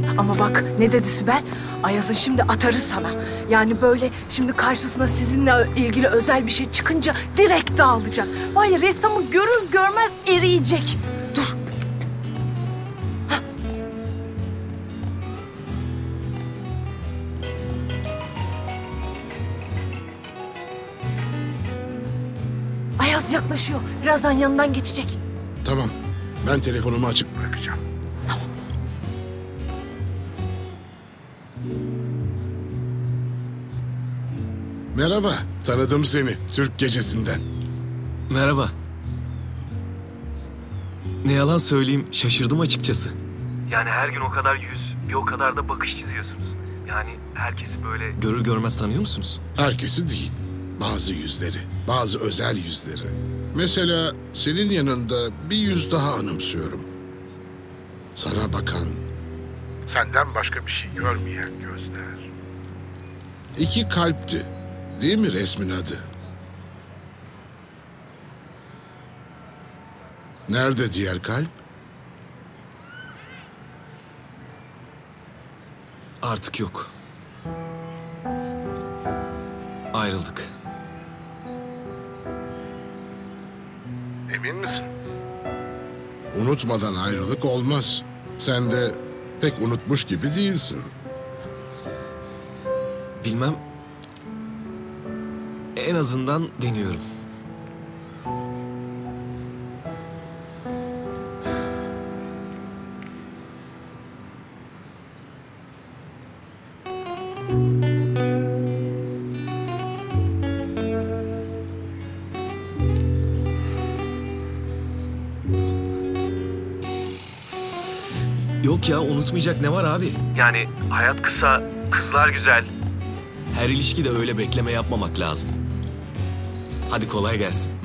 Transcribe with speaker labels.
Speaker 1: Ama bak ne dedi Sibel? Ayaz'ın şimdi atarı sana. Yani böyle şimdi karşısına sizinle ilgili özel bir şey çıkınca direkt dağılacak. Var ya ressamı görür görmez eriyecek. Dur. Hah. Ayaz yaklaşıyor. Birazdan yanından geçecek.
Speaker 2: Tamam. Ben telefonumu açık bırakacağım.
Speaker 1: Tamam.
Speaker 2: Merhaba. Tanıdım seni Türk Gecesi'nden.
Speaker 3: Merhaba. Ne yalan söyleyeyim, şaşırdım açıkçası.
Speaker 4: Yani her gün o kadar yüz, bir o kadar da bakış çiziyorsunuz. Yani herkesi böyle...
Speaker 3: Görür görmez tanıyor musunuz?
Speaker 2: Herkesi değil. Bazı yüzleri. Bazı özel yüzleri. Mesela senin yanında bir yüz daha anımsıyorum. Sana bakan, senden başka bir şey görmeyen gözler. İki kalpti. Değil mi resmin adı? Nerede diğer kalp?
Speaker 3: Artık yok. Ayrıldık.
Speaker 2: Emin misin? Unutmadan ayrılık olmaz. Sen de pek unutmuş gibi değilsin.
Speaker 3: Bilmem. En azından deniyorum. Yok ya, unutmayacak ne var abi?
Speaker 4: Yani hayat kısa, kızlar güzel.
Speaker 3: Her ilişkide öyle bekleme yapmamak lazım. Hadi kolay gelsin.